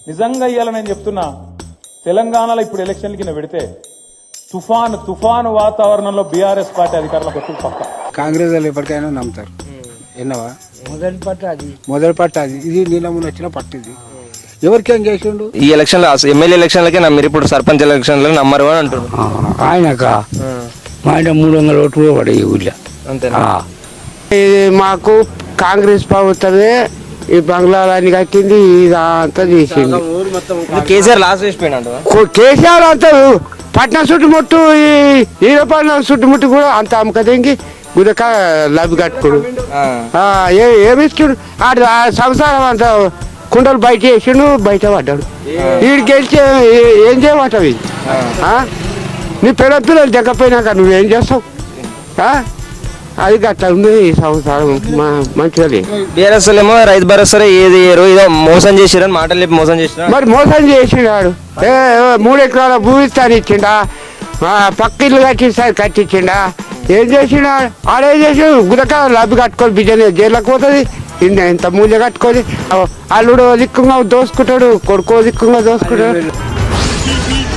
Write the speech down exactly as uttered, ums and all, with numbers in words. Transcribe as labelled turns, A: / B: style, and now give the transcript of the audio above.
A: నిజంగా ఇయ్యాల నేను చెప్తున్నా, తెలంగాణలో ఇప్పుడు ఎలక్షన్ల కింద పెడితే తుఫాను తుఫాను వాతావరణంలో బీఆర్ఎస్ పార్టీ అధికారంలోకి వచ్చి పక్క
B: కాంగ్రెస్ వాళ్ళు ఎప్పటికైనా నమ్ముతారు. ఎన్నవా
C: మొదటి పట్ట అది
B: మొదటి పట్టు అది, ఇది నీళ్ళ ముందు వచ్చిన పట్టు ఇది. ఎవరికేం చేసిండు
D: ఈ ఎలక్షన్ లో ఎమ్మెల్యే ఎలక్షన్లకే నమ్మిరు, ఇప్పుడు సర్పంచ్ ఎలక్షన్లో నమ్మరు అని అంటారు.
C: ఆయనక మా ఆయన మూడు వందల ఓట్లు కూడా పడే ఊళ్ళో
D: అంతేనా?
E: ఇది మాకు కాంగ్రెస్ ప్రభుత్వమే ఈ బంగ్లాలని కట్టింది, ఇదంతా చేసింది.
D: కేసీఆర్ లాస్ట్ వేసిపోయినాడు.
E: కో- కేసీఆర్ అంతా పట్నం చుట్టుముట్టు ఈ ఈరపట్నం చుట్టుముట్టు కూడా అంత అమ్మకదేంగి గుదక లబ్బి కట్టుకుడు ఏమి ఇచ్చుడు ఆడు ఆ సంసారం అంతా కుండలు బయట వేసిండు, బయట పడ్డాడు. వీడు గెలిచి ఏ- ఏం చేయమంటావు ఇది? ఆ? నీ పిల్లల పిల్లలు దగ్గపోయినాక నువ్వేం చేస్తావు? ఆ? అది గట్లా ఉంది ఈ సంవత్సరం మంచిగా లేదు.
D: బీఆర్ఎస్ ఏమో రైతు భరోసా ఏది ఏదో ఏదో మోసం చేసిరని మాటలు చెప్పి మోసం చేసిన.
E: మరి మోసం చేసినాడు. ఏ ఏ, మూడు ఎకరాల భూమి ఇస్తాను ఇచ్చిండా, ఆ, పక్క ఇల్లు కట్టిస్తాను కట్టించిండా, ఏం చేసినాడు? ఆడేం చేసాడు? గుదక లబ్బి కట్టుకొని బిజనే జైల్లోకి పోతుంది. ఇన్న ఎంత మూల్య కట్టుకొని అల్లుడు దిక్కుగా దోసుకుంటాడు, కొడుకో దిక్కుగా దోసుకుంటాడు.